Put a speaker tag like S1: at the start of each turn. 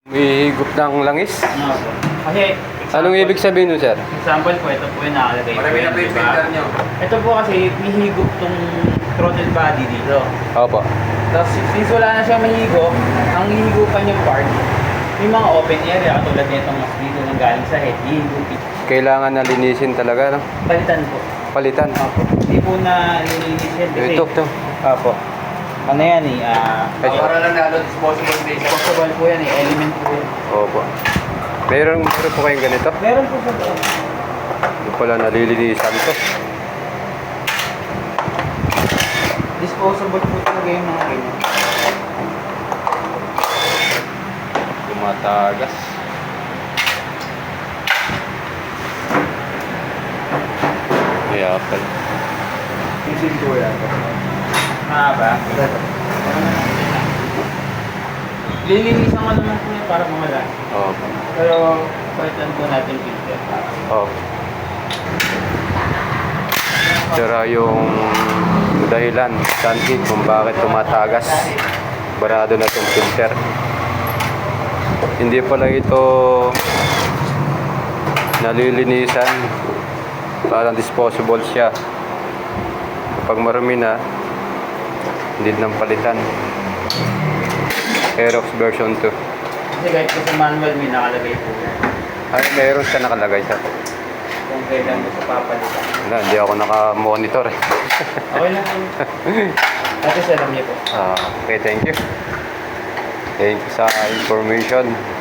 S1: Hihigop ng langis?
S2: Ano po? Kasi,
S1: Anong ibig sabihin nun, sir?
S2: example po, ito po yung nakalagay po.
S3: Marami na po yung filter nyo.
S2: Ito po kasi, hihigop tong throttle body dito.
S1: Opo.
S2: Tapos, since wala na siya mahigop, ang hihigupan yung part, yung mga open area, katulad nitong mas dito nang galing sa head, hihigupin.
S1: Kailangan na linisin talaga, no?
S2: Palitan po.
S1: Palitan.
S2: Opo. Hindi po na linilis yan kasi.
S1: Ito.
S2: Opo. Ano yan eh,
S3: Para lang na disposable base.
S2: possible po yan eh, element po yan.
S1: Opo. Meron po kayong ganito?
S2: Meron po sa loob.
S1: Yung pala nalilinisan to.
S2: Disposable po talaga yung mga ganyan.
S1: Tumatagas. Kaya pala.
S3: Isip ko yan.
S2: Mahaba. Lilinisan ko naman po yan para mawala.
S1: Opo.
S2: Pero, palitan po natin filter.
S1: Opo. Sira yung dahilan, sanhi kung bakit tumatagas. Barado na itong filter. Hindi pala ito nalilinisan. Parang disposable siya. Kapag marumi na, hindi nang palitan. Aerox version 2.
S2: Kasi kahit po sa manual, may nakalagay po yan.
S1: Ay, meron siya nakalagay sa.
S2: Kung kailan mo sa papalitan.
S1: Wala, hindi ako naka-monitor eh.
S2: Okay lang po. At least alam niyo po.
S1: Okay, thank you. Thank you sa information.